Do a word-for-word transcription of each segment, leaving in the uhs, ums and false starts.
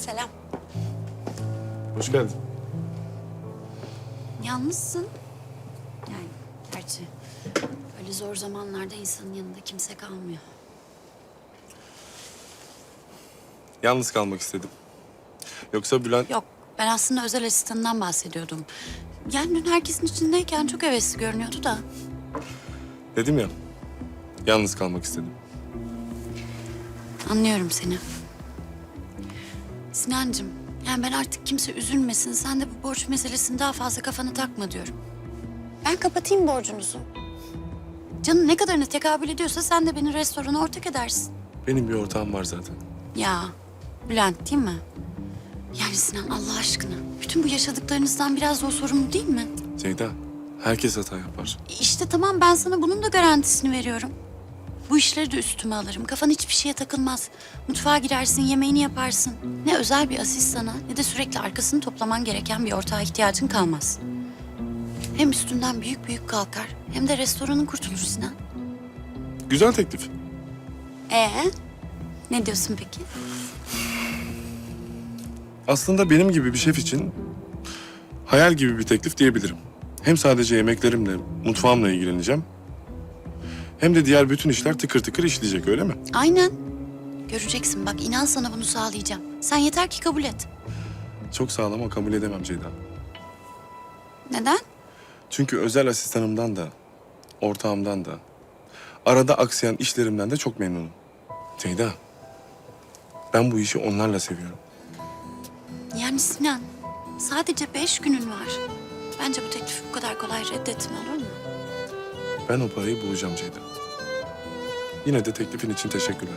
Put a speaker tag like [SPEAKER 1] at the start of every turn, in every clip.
[SPEAKER 1] Selam.
[SPEAKER 2] Hoş geldin.
[SPEAKER 1] Yalnızsın. Yani gerçi öyle zor zamanlarda insanın yanında kimse kalmıyor.
[SPEAKER 2] Yalnız kalmak istedim. Yoksa Bülent...
[SPEAKER 1] Yok, ben aslında özel asistanından bahsediyordum. Yani dün herkesin içindeyken çok hevesli görünüyordu da.
[SPEAKER 2] Dedim ya, yalnız kalmak istedim.
[SPEAKER 1] Anlıyorum seni. Sinancığım, yani ben artık kimse üzülmesin. Sen de bu borç meselesini daha fazla kafana takma diyorum. Ben kapatayım borcunuzu. Canın ne kadarına tekabül ediyorsa sen de beni restorana ortak edersin.
[SPEAKER 2] Benim bir ortağım var zaten.
[SPEAKER 1] Ya, Bülent değil mi? Yani Sinan Allah aşkına, bütün bu yaşadıklarınızdan biraz da o sorumlu değil mi?
[SPEAKER 2] Ceyda, herkes hata yapar.
[SPEAKER 1] İşte tamam, ben sana bunun da garantisini veriyorum. Bu işleri de üstüme alırım. Kafan hiçbir şeye takılmaz. Mutfağa girersin, yemeğini yaparsın. Ne özel bir asistana ne de sürekli arkasını toplaman gereken bir ortağa ihtiyacın kalmaz. Hem üstünden büyük büyük kalkar hem de restoranın kurtulur Sinan.
[SPEAKER 2] Güzel teklif.
[SPEAKER 1] Ee, ne diyorsun peki?
[SPEAKER 2] Aslında benim gibi bir şef için hayal gibi bir teklif diyebilirim. Hem sadece yemeklerimle, mutfağımla ilgileneceğim. Hem de diğer bütün işler tıkır tıkır işleyecek, öyle mi?
[SPEAKER 1] Aynen. Göreceksin bak, inan sana bunu sağlayacağım. Sen yeter ki kabul et.
[SPEAKER 2] Çok sağlam ama kabul edemem Ceyda.
[SPEAKER 1] Neden?
[SPEAKER 2] Çünkü özel asistanımdan da, ortağımdan da, arada aksayan işlerimden de çok memnunum. Ceyda, ben bu işi onlarla seviyorum.
[SPEAKER 1] Yani Sinan, sadece beş günün var. Bence bu teklifi bu kadar kolay reddetme, olur mu?
[SPEAKER 2] Ben o parayı bulacağım Ceyda. Yine de teklifin için teşekkürler.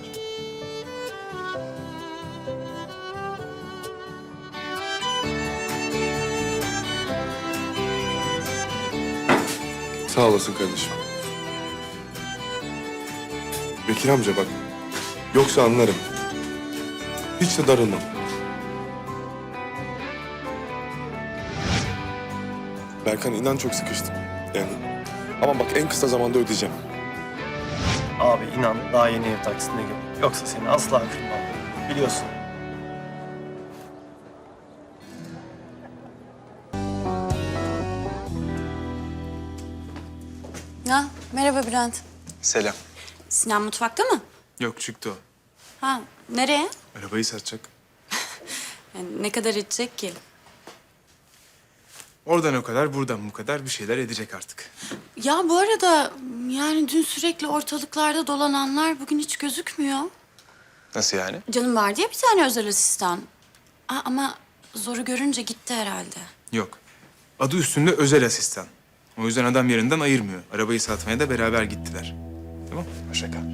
[SPEAKER 2] Sağ olasın kardeşim. Bekir amca bak. Yoksa anlarım. Hiç de darılmam. Berkan inan çok sıkıştım. Yani ama bak en kısa zamanda ödeyeceğim.
[SPEAKER 3] Abi inan daha yeni ev taksitine girdim. Yoksa seni asla kırmam. Biliyorsun.
[SPEAKER 1] Ha, merhaba Bülent.
[SPEAKER 4] Selam.
[SPEAKER 1] Sinan mutfakta mı?
[SPEAKER 4] Yok çıktı o.
[SPEAKER 1] Ha, nereye?
[SPEAKER 4] Arabayı satacak.
[SPEAKER 1] Yani ne kadar edecek ki?
[SPEAKER 4] Oradan o kadar, buradan bu kadar bir şeyler edecek artık.
[SPEAKER 1] Ya bu arada yani dün sürekli ortalıklarda dolananlar bugün hiç gözükmüyor.
[SPEAKER 4] Nasıl yani?
[SPEAKER 1] Canım vardı ya bir tane özel asistan. Aa, ama zoru görünce gitti herhalde.
[SPEAKER 4] Yok. Adı üstünde özel asistan. O yüzden adam yerinden ayırmıyor. Arabayı satmaya da beraber gittiler. Tamam? Hoşça kal.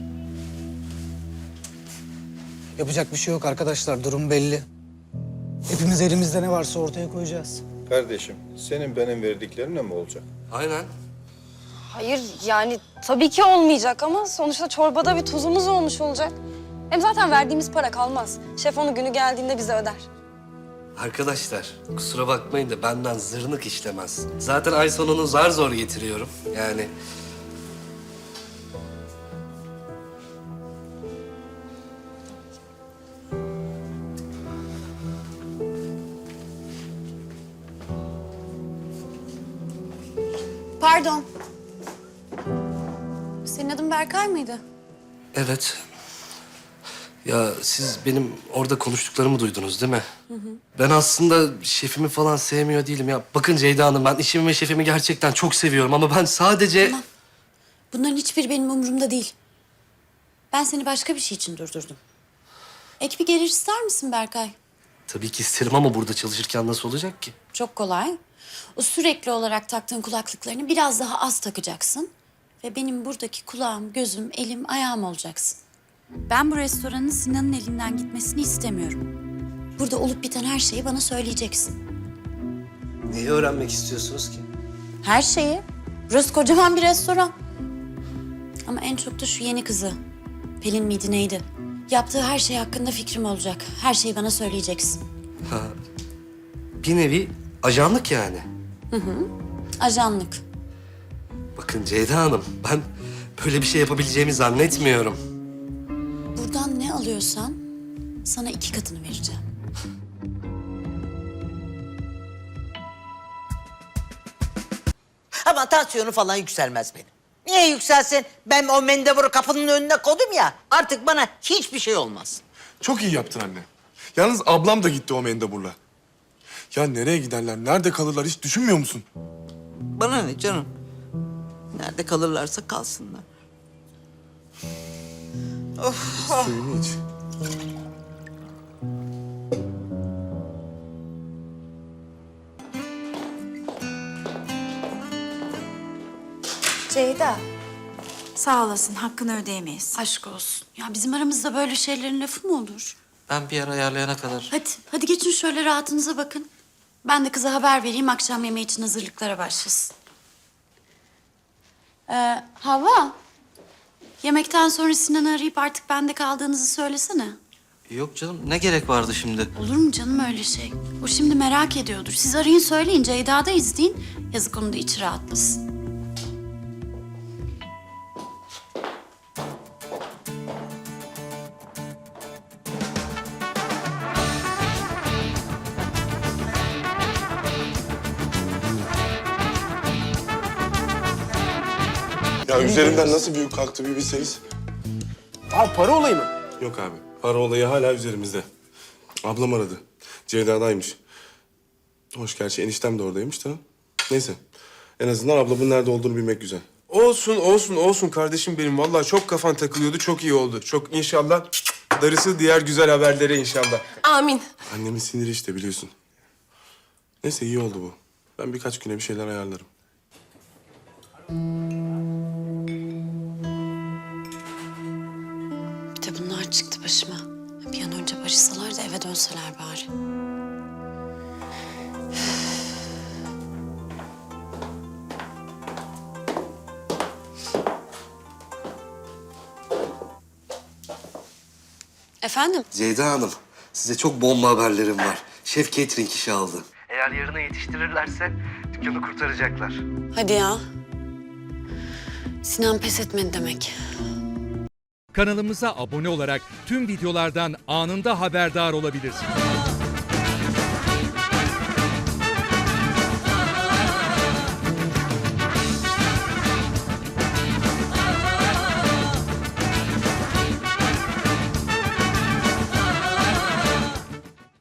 [SPEAKER 5] Yapacak bir şey yok arkadaşlar, durum belli. Hepimiz elimizde ne varsa ortaya koyacağız.
[SPEAKER 6] Kardeşim, senin benim verdiklerimle mi olacak?
[SPEAKER 7] Aynen.
[SPEAKER 8] Hayır yani tabii ki olmayacak ama sonuçta çorbada bir tuzumuz olmuş olacak. Hem zaten verdiğimiz para kalmaz. Şef onu günü geldiğinde bize öder.
[SPEAKER 7] Arkadaşlar kusura bakmayın da benden zırnık işlemez. Zaten ay sonunu zar zor getiriyorum. Yani
[SPEAKER 1] Pardon. Senin adın Berkay mıydı?
[SPEAKER 7] evet. Ya siz benim orada konuştuklarımı duydunuz değil mi? Hı hı. Ben aslında şefimi falan sevmiyor değilim ya. Bakın Ceyda Hanım, ben işimi ve şefimi gerçekten çok seviyorum ama ben sadece...
[SPEAKER 1] Tamam. Bunların hiçbiri benim umurumda değil. Ben seni başka bir şey için durdurdum. Ek bir gelir ister misin Berkay?
[SPEAKER 7] Tabii ki isterim ama burada çalışırken nasıl olacak ki?
[SPEAKER 1] Çok kolay. O sürekli olarak taktığın kulaklıklarını biraz daha az takacaksın. Ve benim buradaki kulağım, gözüm, elim, ayağım olacaksın. Ben bu restoranın Sinan'ın elinden gitmesini istemiyorum. Burada olup biten her şeyi bana söyleyeceksin.
[SPEAKER 7] Neyi öğrenmek istiyorsunuz ki?
[SPEAKER 1] Her şeyi. Burası kocaman bir restoran. Ama en çok da şu yeni kızı. Pelin miydi neydi? Yaptığı her şey hakkında fikrim olacak. Her şeyi bana söyleyeceksin.
[SPEAKER 7] Ha, bir nevi ajanlık yani.
[SPEAKER 1] Ajanlık.
[SPEAKER 7] Bakın Ceyda Hanım, ben böyle bir şey yapabileceğimi zannetmiyorum.
[SPEAKER 1] Buradan ne alıyorsan sana iki katını vereceğim.
[SPEAKER 9] Ama tansiyonu falan yükselmez benim. Niye yükselsin? Ben o mendeburu kapının önüne koydum ya. Artık bana hiçbir şey olmaz.
[SPEAKER 2] Çok iyi yaptın anne. Yalnız ablam da gitti o mendeburla. Ya nereye giderler, nerede kalırlar hiç düşünmüyor musun?
[SPEAKER 9] Bana ne canım? Nerede kalırlarsa kalsınlar.
[SPEAKER 2] Suyunu iç.
[SPEAKER 10] Ceyda, sağ olasın. Hakkını ödeyemeyiz.
[SPEAKER 1] Aşk olsun. Ya bizim aramızda böyle şeylerin lafı mı olur?
[SPEAKER 7] Ben bir yer ayarlayana kadar.
[SPEAKER 1] Hadi, hadi geçin şöyle rahatınıza bakın. Ben de kıza haber vereyim, akşam yemeği için hazırlıklara başlasın. Ee, Hava, yemekten sonra Sinan'ı arayıp artık bende kaldığınızı söylesene.
[SPEAKER 7] Yok canım, ne gerek vardı şimdi?
[SPEAKER 1] Olur mu canım öyle şey? O şimdi merak ediyordur. Siz arayın söyleyin, Ceyda'da izleyin. Yazık onun da içi rahatlasın.
[SPEAKER 2] Ya üzerimden nasıl büyük kalktı bir bilseniz.
[SPEAKER 3] Abi para olayı mı?
[SPEAKER 2] Yok abi, para olayı hala üzerimizde. Ablam aradı. Ceyda'daymış. Hoş gerçi eniştem de oradaymış da. Neyse. En azından ablamın nerede olduğunu bilmek güzel.
[SPEAKER 4] Olsun, olsun, olsun kardeşim benim. Vallahi çok kafan takılıyordu, çok iyi oldu. Çok inşallah darısı diğer güzel haberlere inşallah.
[SPEAKER 8] Amin.
[SPEAKER 2] Annemin siniri işte biliyorsun. Neyse iyi oldu bu. Ben birkaç güne bir şeyler ayarlarım.
[SPEAKER 1] Bir de bunlar çıktı başıma. Bir an önce barışsalar da eve dönseler bari. Efendim?
[SPEAKER 7] Ceyda Hanım, size çok bomba haberlerim var. Şef catering işi aldı. Eğer yarına yetiştirirlerse dükkanı kurtaracaklar.
[SPEAKER 1] Hadi ya. Sinan pes etmedi demek.
[SPEAKER 11] Kanalımıza abone olarak tüm videolardan anında haberdar olabilirsiniz.